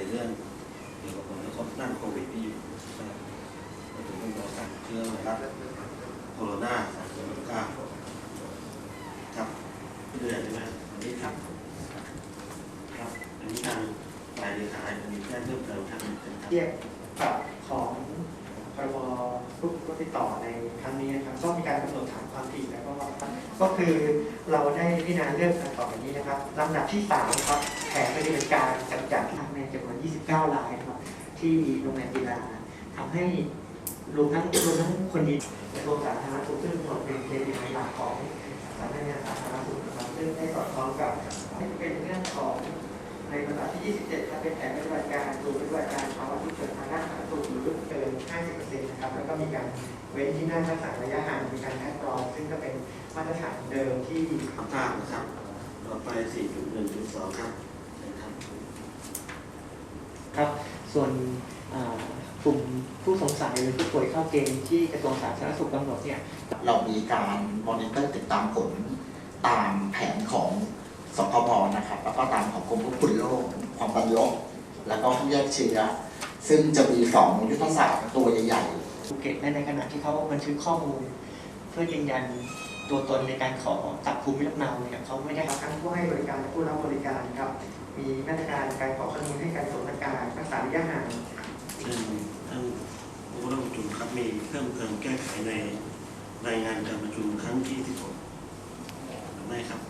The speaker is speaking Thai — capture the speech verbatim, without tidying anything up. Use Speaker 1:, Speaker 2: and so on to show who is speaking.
Speaker 1: เรื่องเกี่ยวกับผลกระทบด้านโควิดที่อยู่นะครับมาถึงเรื่องของการเชื้อไวรัสโคโรนาสองพันสิบเก้าครับพี่เดือนใช่ไหมวันนี้ครับครับอันนี้ทางฝ่ายเลขาจะมีแจ้งเพิ่มเติมทางเทียบ
Speaker 2: ปรับของพรบผู้ติดต่อในครั้งนี้นะครับก็มีการกำหนดฐานความผิดแล้วก็ก็คือเราได้พิจารณาเรื่องการต่อไปนี้นะครับลำดับที่สามครับแผนปฏิบัติการกำจัดทั้งในจำนวนยี่สิบเก้ารายครับที่โรงแรมกีฬาทำให้รวมทั้งรวมทั้งคนดีกระทรวงสาธารณสุขซึ่งเป็นเป็นหลักของสำนักงานสาธารณสุขนะครับซึ่งได้สอดคล้องกับเป็นเรื่องของในลำดับที่ยี่สิบเจ็ดจะเป็นแผนปฏิบัติการดูปฏิบัติการภาวะฉุกเฉินทางด้านสาธารณสุขหรือเกิน ห้าสิบเปอร์เซ็นต์ นะครับแล้วก็มีการเว้นที่นั่งรักษาระยะห่างมีการคัดกรองซึ่งก็เป็นมาตรฐานเดิมที่
Speaker 1: ทำตามนะครับต่อไป สี่จุดหนึ่งจุดสอง ครับครับ
Speaker 2: ครับส่วนกลุ่มผู้สงสัยหรือผู้ป่วยเข้าเกณฑ์ที่กระทรวงสาธารณสุขกำหนดเนี่ย
Speaker 3: เรามีการมอนิเตอร์ติดตามผลตามแผนของสคบนะครับแล้วก็ตามของกรมควบคุมโรคความดันโลกแล้วก็แยกเชื้อซึ่งจะมีสองยุทธศาสตร์ตัวใหญ่
Speaker 2: ๆภูเก็ตในขณะที่เขาบันทึกข้อมูลเพื่อยืนยันตัวตนในการขอตัดภูมิลำเนาเนี่ยเขาไม่ได้รับทั้งผู้ให้บริการและผู้รับบริการครับมีมาตรการการขอข้อมูลให้การสวมหน้ากากรักษาระยะห่าง
Speaker 1: ซึ่งท่านผู้ร่วมประชุมครับมีเพิ่มเติมแก้ไขในรายงานการประชุมครั้งที่สิบหกหรือไม่ครับ